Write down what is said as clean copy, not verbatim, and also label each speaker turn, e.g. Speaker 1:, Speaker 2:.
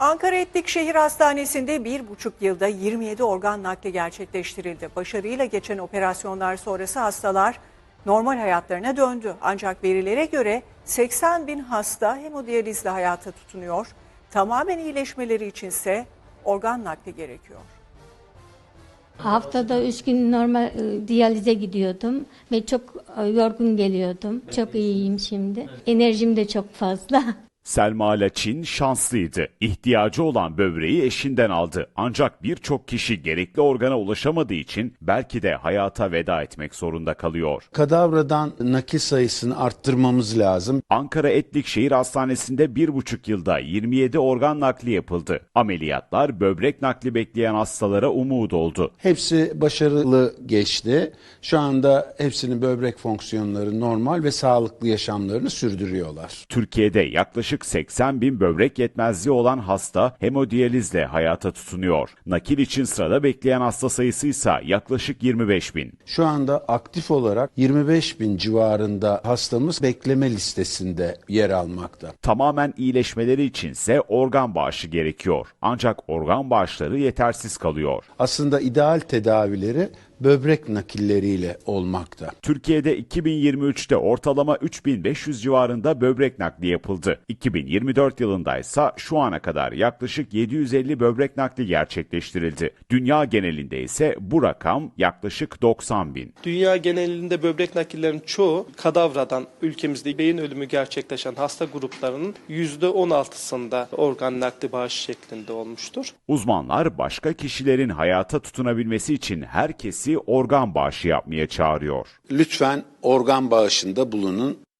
Speaker 1: Ankara Etlik Şehir Hastanesi'nde 1,5 yılda 27 organ nakli gerçekleştirildi. Başarıyla geçen operasyonlar sonrası hastalar normal hayatlarına döndü. Ancak verilere göre 80 bin hasta hemodiyalizle hayata tutunuyor. Tamamen iyileşmeleri içinse organ nakli gerekiyor.
Speaker 2: Haftada 3 gün normal diyalize gidiyordum ve çok yorgun geliyordum. Çok iyiyim şimdi. Enerjim de çok fazla.
Speaker 3: Selma Laçin şanslıydı. İhtiyacı olan böbreği eşinden aldı. Ancak birçok kişi gerekli organa ulaşamadığı için belki de hayata veda etmek zorunda kalıyor.
Speaker 4: Kadavradan nakil sayısını arttırmamız lazım.
Speaker 3: Ankara Etlik Şehir Hastanesi'nde 1,5 yılda 27 organ nakli yapıldı. Ameliyatlar böbrek nakli bekleyen hastalara umut oldu.
Speaker 4: Hepsi başarılı geçti. Şu anda hepsinin böbrek fonksiyonları normal ve sağlıklı yaşamlarını sürdürüyorlar.
Speaker 3: Türkiye'de yaklaşık 80 bin böbrek yetmezliği olan hasta hemodiyalizle hayata tutunuyor. Nakil için sırada bekleyen hasta sayısı ise yaklaşık 25 bin.
Speaker 4: Şu anda aktif olarak 25 bin civarında hastamız bekleme listesinde yer almakta.
Speaker 3: Tamamen iyileşmeleri içinse organ bağışı gerekiyor. Ancak organ bağışları yetersiz kalıyor.
Speaker 4: Aslında ideal tedavileri böbrek nakilleriyle olmakta.
Speaker 3: Türkiye'de 2023'te ortalama 3500 civarında böbrek nakli yapıldı. 2024 yılında ise şu ana kadar yaklaşık 750 böbrek nakli gerçekleştirildi. Dünya genelinde ise bu rakam yaklaşık 90 bin.
Speaker 5: Dünya genelinde böbrek nakillerinin çoğu kadavradan ülkemizde beyin ölümü gerçekleşen hasta gruplarının %16'sında organ nakli bağışı şeklinde olmuştur.
Speaker 3: Uzmanlar başka kişilerin hayata tutunabilmesi için herkesi organ bağışı yapmaya çağırıyor.
Speaker 4: Lütfen organ bağışında bulunun.